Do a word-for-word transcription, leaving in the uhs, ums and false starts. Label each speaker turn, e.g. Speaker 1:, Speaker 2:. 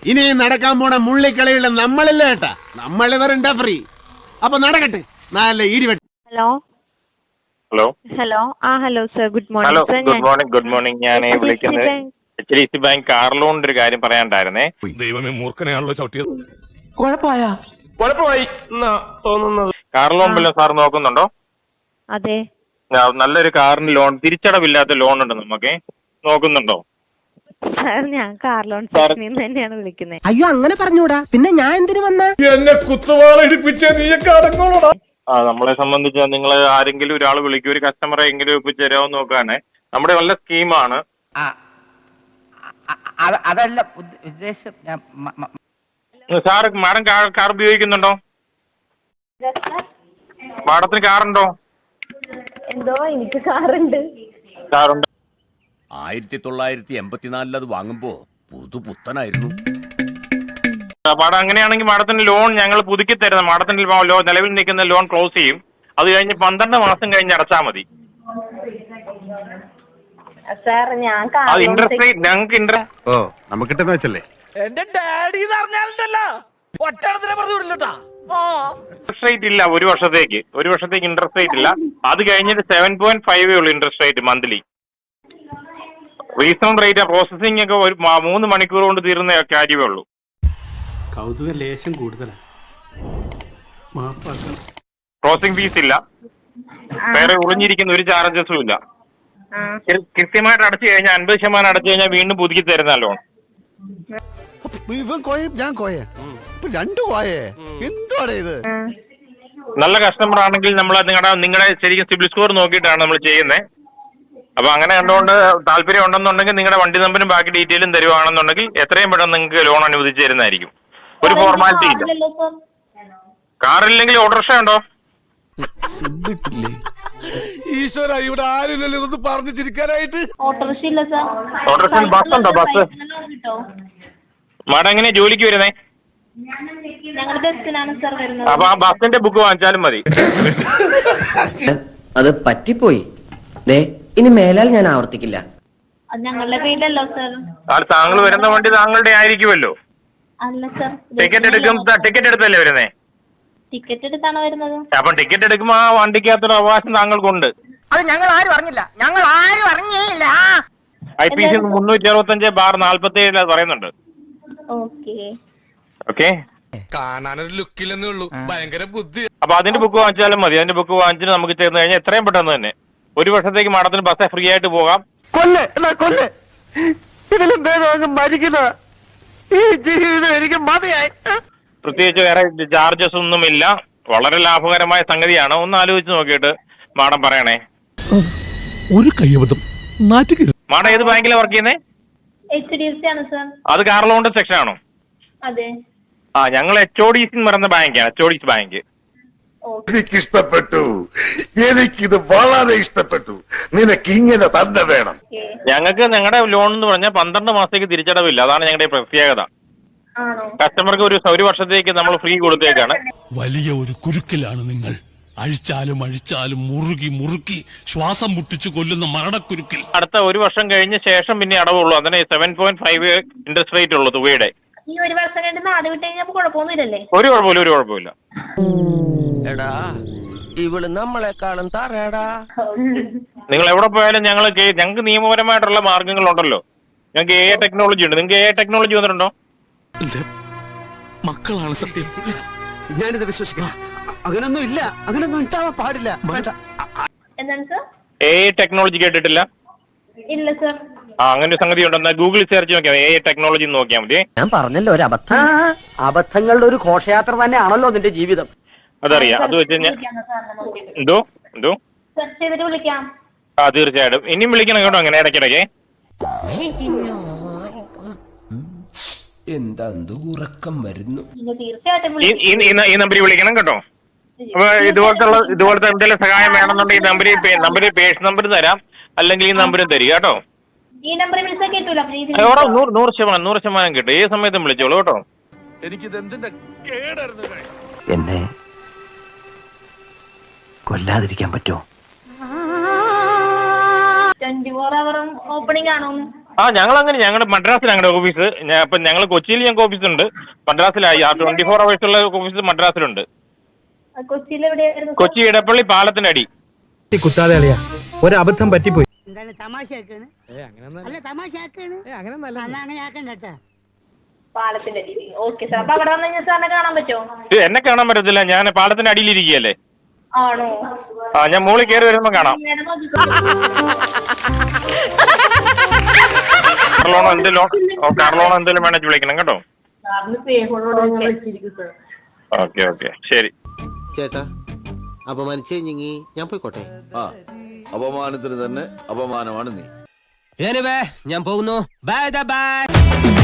Speaker 1: ഇനി നടക്കാൻ പോണ മുള്ളിക്കളിയുള്ള നമ്മളില്ല കേട്ടാ, നമ്മളിവരുണ്ടാ ഫ്രീ. അപ്പൊ നടക്കട്ടെ, നല്ല ഇടിവെട്ട്.
Speaker 2: ഹലോ
Speaker 3: ഹലോ
Speaker 2: ഹലോ ആ hello sir, good morning.
Speaker 3: Hello good morning good morning ഞാൻ വിളിക്കുന്നത് H D F C bank car ലോണിന്റെ ഒരു കാര്യം പറയാണ്ടായിരുന്നേ.
Speaker 4: ദൈവമേ, മൂർഖനെയാണല്ലോ ചവിട്ടിയത്.
Speaker 5: കുഴപ്പമായി തോന്നുന്നത്.
Speaker 3: കാർ ലോൺ വല്ലതും സാർ നോക്കുന്നുണ്ടോ?
Speaker 2: അതെ,
Speaker 3: നല്ലൊരു കാറിന് ലോൺ, തിരിച്ചടവില്ലാത്ത ലോൺ ഉണ്ട് നമുക്ക്, നോക്കുന്നുണ്ടോ?
Speaker 2: സാർ ഞാൻ കാർ ലോൺ സെക്ഷനിൽ തന്നെയാണ് വിളിക്കുന്നത്.
Speaker 6: അയ്യോ അങ്ങനെ പറഞ്ഞൂടാ, പിന്നെ ഞാൻ എന്തിനു വന്ന
Speaker 4: എന്നെ കുത്തുവാള ഇടിപ്പിച്ച നീയൊക്കെ അടങ്ങോളൂടാ.
Speaker 3: ആ നമ്മളെ സംബന്ധിച്ച് നിങ്ങൾ ആരെങ്കിലും ഒരാൾ വിളിക്കും, ഒരു കസ്റ്റമറെ എങ്കിലും ഒപ്പിച്ച് തരാമോ നോക്കാണ്. നമ്മുടെ നല്ല സ്കീമാണ്.
Speaker 6: അതല്ല ഉദ്ദേശം.
Speaker 3: സാർ മാഡം കാർ ഉപയോഗിക്കുന്നുണ്ടോ? മാഡത്തിന് കാറുണ്ടോ?
Speaker 2: എന്തോ എനിക്ക് കാറുണ്ട്.
Speaker 3: കാറുണ്ട്.
Speaker 7: ആയിരത്തി തൊള്ളായിരത്തി എൺപത്തിനാലിൽ അത് വാങ്ങുമ്പോ പുതു പുത്തനായിരുന്നു.
Speaker 3: മാഡം അങ്ങനെയാണെങ്കിൽ മാഡത്തിന്റെ ലോൺ ഞങ്ങൾ പുതുക്കി തരുന്ന, മാഡത്തിന്റെ നിലവിൽ നിൽക്കുന്ന ലോൺ ക്ലോസ് ചെയ്യും. അത് കഴിഞ്ഞ് പന്ത്രണ്ട് മാസം കഴിഞ്ഞ് അടച്ചാൽ മതി.
Speaker 2: സാർ ഞാൻ
Speaker 3: അത് ഇൻട്രസ്റ്റ് റേറ്റ് ഞങ്ങൾക്ക് ഇൻട്രസ്റ്റ്
Speaker 1: ഓ നമുക്ക് കിട്ടുന്ന വെച്ചല്ലേ.
Speaker 6: എന്റെ ഡാഡി
Speaker 3: ഇൻട്രസ്റ്റ് റേറ്റ് ഇല്ല ഒരു വർഷത്തേക്ക്, ഒരു വർഷത്തേക്ക് ഇൻട്രസ്റ്റ് റേറ്റ് ഇല്ല. അത് കഴിഞ്ഞിട്ട് സെവൻ പോയിന്റ് ഫൈവേ ഉള്ളൂ interest rate monthly. Reasonable rate, processing ഒക്കെ ഒരു മൂന്ന് മണിക്കൂർ കൊണ്ട് തീരുന്ന കാര്യമേ ഉള്ളൂ.
Speaker 5: കൗതുക ലേശം കൂടുതലാണ്.
Speaker 3: പ്രോസസിംഗ് ഫീസ് ഇല്ല, വേറെ ഒളിഞ്ഞിരിക്കുന്ന ഒരു ചാർജസും ഇല്ല. കൃത്യമായിട്ട് അടച്ചു കഴിഞ്ഞാൽ അൻപത് ശതമാനം അടച്ചു കഴിഞ്ഞാൽ വീണ്ടും പുതുക്കി തരുന്ന ലോൺ. നല്ല കസ്റ്റമർ ആണെങ്കിൽ നമ്മൾ നിങ്ങളുടെ നിങ്ങളുടെ ശരിക്കും സിബിൽ സ്കോർ നോക്കിയിട്ടാണ് നമ്മൾ ചെയ്യുന്നത്. അപ്പൊ അങ്ങനെ കണ്ടുകൊണ്ട് താല്പര്യം ഉണ്ടെന്നുണ്ടെങ്കിൽ നിങ്ങളുടെ വണ്ടി നമ്പരും ബാക്കി ഡീറ്റെയിലും തരുവാണെന്നുണ്ടെങ്കിൽ എത്രയും പെട്ടെന്ന് നിങ്ങൾക്ക് ലോൺ അനുവദിച്ചു തരുന്നതായിരിക്കും. ഒരു ഫോർമാലിറ്റി ഇല്ല. കാറില്ലെങ്കിൽ ഓട്ടോറിക്ഷ ഉണ്ടോ?
Speaker 4: ഈശ്വര, ഇവിടെ ആരില്ലല്ലോ ഇതൊന്ന് പറഞ്ഞു ചിരിക്കാനായിട്ട്.
Speaker 2: ഓട്ടോറിക്ഷ ഇല്ല സാർ.
Speaker 3: ഓട്ടോറിക്ഷയിൽ ബസ് ഉണ്ടോ? ബസ് മാഡം എങ്ങനെയാ ജോലിക്ക് വരുന്നേ?
Speaker 2: ഞങ്ങൾ ബസ്സിനാണ് സാർ വരുന്നത്.
Speaker 3: അപ്പൊ ആ ബസ്സിന്റെ ബുക്ക് വാങ്ങിച്ചാലും മതി.
Speaker 6: അത് പറ്റിപ്പോയി. ഇനി മേലാൽ ഞാൻ ആവർത്തിക്കില്ല.
Speaker 2: ഞങ്ങളുടെ പേരിലല്ലോ സാർ.
Speaker 3: അത് താങ്കൾ വരുന്ന വണ്ടി താങ്കളുടെ ആയിരിക്കുമല്ലോ.
Speaker 2: അല്ല സാർ,
Speaker 3: ടിക്കറ്റ് എടുക്കും, ടിക്കറ്റ് എടുത്തല്ലേ വരുന്നേ?
Speaker 2: ടിക്കറ്റ് എടുത്താണ് വരുന്നത്.
Speaker 3: അപ്പൊ ടിക്കറ്റ് എടുക്കുമ്പോ ആ വണ്ടിക്കകത്തൊരു അവകാശം താങ്കൾക്കുണ്ട്.
Speaker 6: അത് ഞങ്ങൾ ആരും അറിഞ്ഞില്ല, ഞങ്ങൾ ആരും അറിഞ്ഞില്ല.
Speaker 3: ഐ പി സി മുന്നൂറ്റി അറുപത്തി അഞ്ച് ബാർ നാല്പത്തി ഏഴിൽ അത് പറയുന്നുണ്ട്.
Speaker 2: ഓക്കെ
Speaker 3: ഓക്കെ,
Speaker 4: കാണാനൊരു ലുക്കില്ലെന്നേ ഉള്ളൂ, ഭയങ്കര ബുദ്ധി.
Speaker 3: അപ്പൊ അതിന്റെ ബുക്ക് വാങ്ങിച്ചാലും മതി. അതിന്റെ ബുക്ക് വാങ്ങിച്ചിട്ട് നമുക്ക് ചേർന്ന് കഴിഞ്ഞാൽ എത്രയും പെട്ടെന്ന് തന്നെ ഒരു വർഷത്തേക്ക് മാഡത്തിന് ബസ് ഫ്രീ ആയിട്ട് പോകാം.
Speaker 6: കൊല്ലെ കൊല്ലെ ഇതിലും ഭേദം മരിക്കുന്ന ഈ ജീവിതം എനിക്ക് മതിയായി.
Speaker 3: പ്രത്യേകിച്ച് വേറെ ചാർജസ് ഒന്നുമില്ല. വളരെ ലാഭകരമായ സംഗതിയാണ്. ഒന്ന് ആലോചിച്ച് നോക്കിയിട്ട് മാഡം പറയണേ.
Speaker 4: ഒരു കയ്യബദ്ധം നാറ്റുക.
Speaker 3: മാഡം ഏത് ബാങ്കിലാണ് വർക്ക് ചെയ്യുന്നത്?
Speaker 2: എച്ച് ഡി എഫ് സി ആണ് സാർ.
Speaker 3: അത് കാർ ലോണിന്റെ സെക്ഷൻ ആണോ?
Speaker 2: അതെ.
Speaker 3: ആ ഞങ്ങൾ എച്ച് ഒ ഡി സി എന്ന് പറയുന്ന ബാങ്കാണ്, H O D C bank.
Speaker 8: എനിക്ക് ഇഷ്ടപ്പെട്ടു, എനിക്കിത് വളരെ ഇഷ്ടപ്പെട്ടു. നിനക്ക് ഇങ്ങനെ തന്നെ വേണം.
Speaker 3: ഞങ്ങൾക്ക് ഞങ്ങളുടെ ലോൺ എന്ന് പറഞ്ഞാൽ പന്ത്രണ്ട് മാസത്തേക്ക് തിരിച്ചടവില്ല. അതാണ് ഞങ്ങളുടെ പ്രത്യേകത. കസ്റ്റമർക്ക് ഒരു ഒരു വർഷത്തേക്ക് നമ്മൾ ഫ്രീ കൊടുത്തേക്കാണ്.
Speaker 9: വലിയ ഒരു കുരുക്കിലാണ് നിങ്ങൾ. അഴിച്ചാലും അഴിച്ചാലും മുറുകി മുറുക്കി ശ്വാസം മുട്ടിച്ചു കൊല്ലുന്ന മരണക്കുരുക്കിൽ.
Speaker 3: അടുത്ത ഒരു വർഷം കഴിഞ്ഞ ശേഷം പിന്നെ അടവുള്ളൂ. അതിന് seven point five interest rate ഉള്ളൂ തുകയുടെ.
Speaker 2: ഈ ഒരു വർഷം കഴിഞ്ഞ് നാട് വിട്ട് കഴിഞ്ഞാൽ കുഴപ്പമൊന്നുമില്ലല്ലേ?
Speaker 3: ഒരു കുഴപ്പമില്ല, ഒരു കുഴപ്പമില്ല.
Speaker 6: എടാ ഇവള് നമ്മളെക്കാളും തറയടാ.
Speaker 3: നിങ്ങൾ എവിടെ പോയാലും ഞങ്ങൾ ഞങ്ങൾക്ക് നിയമപരമായിട്ടുള്ള മാർഗങ്ങളുണ്ടല്ലോ. ഞങ്ങൾക്ക് എ ടെക്നോളജി ഉണ്ട്. നിങ്ങൾക്ക് എ ടെക്നോളജി വന്നിട്ടുണ്ടോ?
Speaker 9: മക്കളാണ് സത്യം.
Speaker 1: ഞാനിത് വിശ്വസിക്കാം. അങ്ങനൊന്നും ഇല്ല, അങ്ങനൊന്നും ഉണ്ടാവാൻ പാടില്ല.
Speaker 2: എന്താണ് സാർ?
Speaker 3: എ ടെക്നോളജി കേട്ടിട്ടില്ല?
Speaker 2: ഇല്ല സാർ.
Speaker 3: ആ അങ്ങനെ സംഗതി ഉണ്ടെന്ന് ഗൂഗിളിൽ സെർച്ച് നോക്കിയാൽ എ ടെക്നോളജി നോക്കിയാൽ മതി.
Speaker 6: ഞാൻ പറഞ്ഞല്ലോ ഒരു അബദ്ധം. അബദ്ധങ്ങളുടെ ഒരു ഘോഷയാത്ര തന്നെയാണല്ലോ നിന്റെ ജീവിതം.
Speaker 3: അതറിയാം. അത് വെച്ച് ഞാൻ എന്തോ എന്തോ
Speaker 2: സെർച്ച് ചെയ്തിട്ട് വിളിക്കാം.
Speaker 3: ആ തീർച്ചയായിട്ടും ഇനിയും വിളിക്കണം കേട്ടോ. അങ്ങനെ ഇടയ്ക്കിടയ്ക്ക്
Speaker 7: എന്താ ഉറക്കം വരുന്നു.
Speaker 2: തീർച്ചയായിട്ടും
Speaker 3: ഈ നമ്പറിൽ വിളിക്കണം കേട്ടോ. അപ്പൊ ഇതുപോലത്തെ ഇതുപോലത്തെ എന്തെങ്കിലും സഹായം വേണമെന്നുണ്ടെങ്കിൽ ഈ നമ്പറിൽ നമ്പറിൽ പേഴ്സ് നമ്പർ തരാം, അല്ലെങ്കിൽ ഈ നമ്പരും തരിക കേട്ടോ.
Speaker 2: ഈ നമ്പറിൽ വിളിച്ചാൽ കിട്ടൂല.
Speaker 3: നൂറ് നൂറ് ശതമാനം നൂറ് ശതമാനം കിട്ടും. ഏത് സമയത്തും വിളിച്ചോളൂ കേട്ടോ.
Speaker 4: എനിക്കിത് എന്തിന്റെ കേടായിരുന്നു.
Speaker 6: എന്നെ കൊല്ലാതിരിക്കാൻ പറ്റുമോ?
Speaker 2: ട്വന്റി ഫോർ അവറും ഓപ്പണിംഗ് ആണോ?
Speaker 3: ആ ഞങ്ങൾ അങ്ങനെ ഞങ്ങളുടെ മദ്രാസിലാണ് ഞങ്ങളുടെ ഓഫീസ്. ഇപ്പൊ ഞങ്ങൾ കൊച്ചിയിൽ ഞങ്ങൾക്ക് ഓഫീസുണ്ട്, മദ്രാസിലായി. ആ ട്വന്റി ഫോർ അവേഴ്സ് ഉള്ള ഓഫീസ് മദ്രാസിലുണ്ട്.
Speaker 2: കൊച്ചിയിൽ എവിടെയായിരുന്നു?
Speaker 3: കൊച്ചി ഇടപ്പള്ളി പാലത്തിന്റെ അടി.
Speaker 6: കുത്താതെ കളിയാ ഒരു അബദ്ധം പറ്റിപ്പോയി.
Speaker 2: പാലത്തിന്റെ അടി. Okay sir. അപ്പൊ അവിടെ വന്നു കഴിഞ്ഞാൽ സാറിനെ കാണാൻ പറ്റുമോ?
Speaker 3: ഇത് എന്നെ കാണാൻ പറ്റത്തില്ല, ഞാൻ പാലത്തിന്റെ അടിയിൽ ഇരിക്കുകയല്ലേ.
Speaker 2: ആണോ?
Speaker 3: ആ ഞാൻ മുകളിൽ കയറി വരുമ്പോ കാണാം. കാർ ലോണോ എന്തെങ്കിലും കാർ ലോണോ എന്തെങ്കിലും വേണമെങ്കിൽ വിളിക്കണം കേട്ടോ. ഓക്കെ ഓക്കെ ശരി
Speaker 1: ചേട്ടാ. അപമാനിച്ചേ ഞങ്ങി ഞാൻ പോയിക്കോട്ടെ.
Speaker 8: ആ അപമാനത്തിന് തന്നെ അപമാനമാണ് നീ.
Speaker 7: ഞാൻ പോകുന്നു. Bye by.